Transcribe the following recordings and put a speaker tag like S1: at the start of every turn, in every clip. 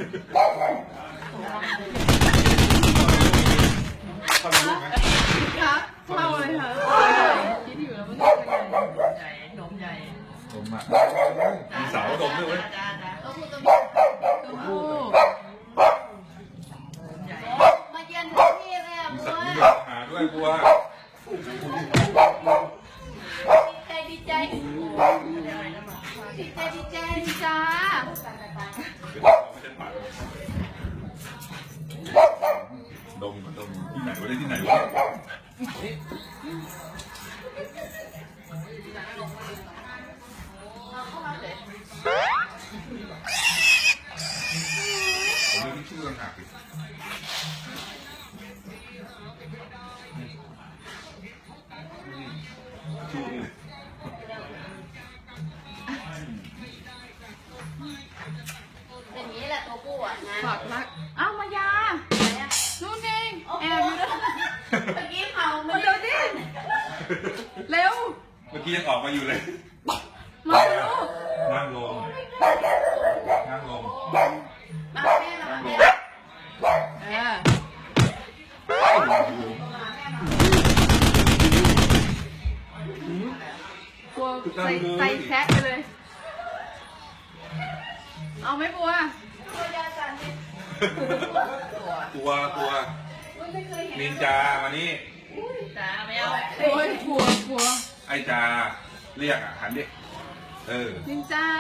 S1: เข้าลูกไหม
S2: ครับเข้าเลยค่ะคิดอยู่แล้วมันจะเป็นใหญ่นมใหญ่
S1: นมอ่ะมีเสาดมด้วยเว้ย
S2: มาเย็นที่นี่เลยอ่ะ
S1: มี
S2: บั
S1: สัต
S2: ว
S1: ว์มีอาหารด้วยบัว
S2: ดีใจจ้า
S1: ดมที่ไหนวะได้ที่ไหนวะผมเรื่องที่ชื่อต่างหากดิชื่อ
S2: อย่างนี้แหละตัวผู้อ่ะนะฝากรักอ้าวมายานู่นเองแอบอยู่ด้วยเมื่อกี้เผามาเร็วดิเร็ว
S1: เมื่อกี้ยังออกมาอยู่เลย
S2: มาเร็ว
S1: นั่งลงนั่งลง
S2: มาแม่มาแม่กลัวใส่แทะไปเลยเอาไหมบัว
S1: กลัวนินจามานี่
S2: จ้าไม่เอาโอ้ยกลัว
S1: ไอ้จาเรียกอ่ะหันดิ
S2: นินจา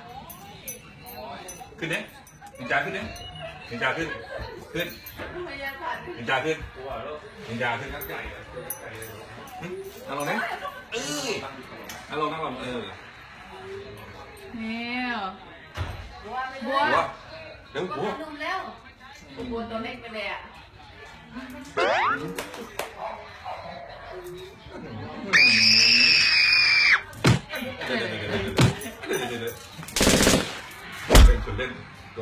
S1: ขึ้นดินินจาขึ้นดินินจาขึ้นนินจาขึ้นนินจาขึ้นนั่งลงนี่นั่งลง
S2: เนี่ยบัว
S1: เดี๋ยวบัว
S2: นุ่มแล้วบัวตัวเล็กไปเลยอ่ะ
S1: เป็นคนเล่นตั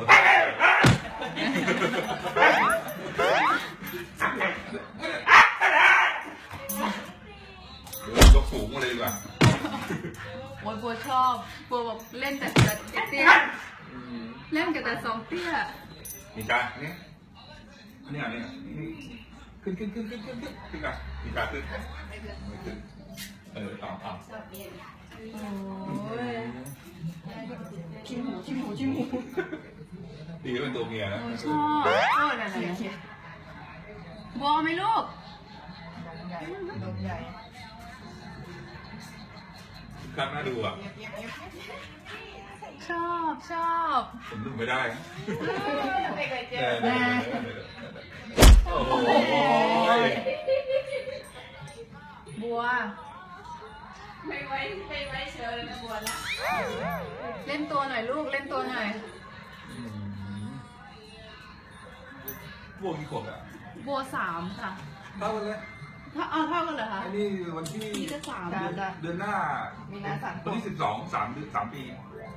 S1: วยกสูงมาเลยดีกว่า
S2: บัวชอบบัวบอกเล่นแต่เตี้ยเล่นแต่สองเตี้ย
S1: นี่จ้าเนี่ยขึ้นอ่ะนี่จ้าขึ้นต่อ
S2: โอ้ยชิมหู
S1: ดีก็เป็นตัวเมียนะ
S2: ชอบนั่นบัวไหมลูก
S1: ครับน่าดูอ่ะ
S2: ชอบ
S1: ผมดูไม่ได้
S2: ไม่เคยเจอ
S1: โอ้โห
S2: บัวไม่ไว้เชิญเลยนะบัวนะเล่นตัวหน่อยลูกเล่นตัวหน่อย
S1: บัวกี่ขวบอ่ะ
S2: บัว3ค่ะ
S1: เท่ากันเลย
S2: เท่ากันเหรอคะ
S1: อันนี้วันที่
S2: 3
S1: เดือนหน้าวันที่3 ปี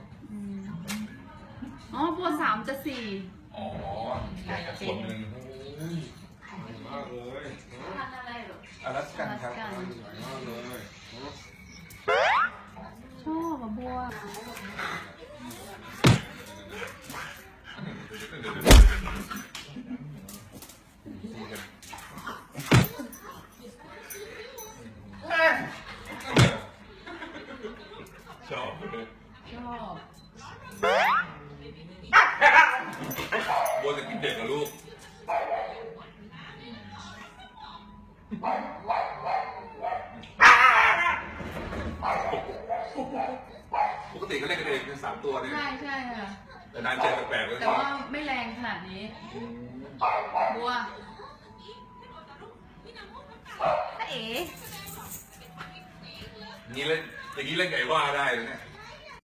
S2: อ๋อบัว3จะ4
S1: อ๋อคนหนึ่งมากเลย
S2: ทำอะไรหรอ
S1: อลาสกันครับมากเลย
S2: ชอบบัว
S1: ชอบบัวจะกินเด็กกับลูกปกติก็เล่นกันเองเป็น3 ตัวเนี่ย
S2: ใช่ค่ะ
S1: แต่นานเจอแปลกๆเลย
S2: แต่ว่าไม่แรงขนาดนี้บัวเอ๋
S1: นี่เล่นอย่างนี้เล่นไก่ว่าได้เลยเนี่ย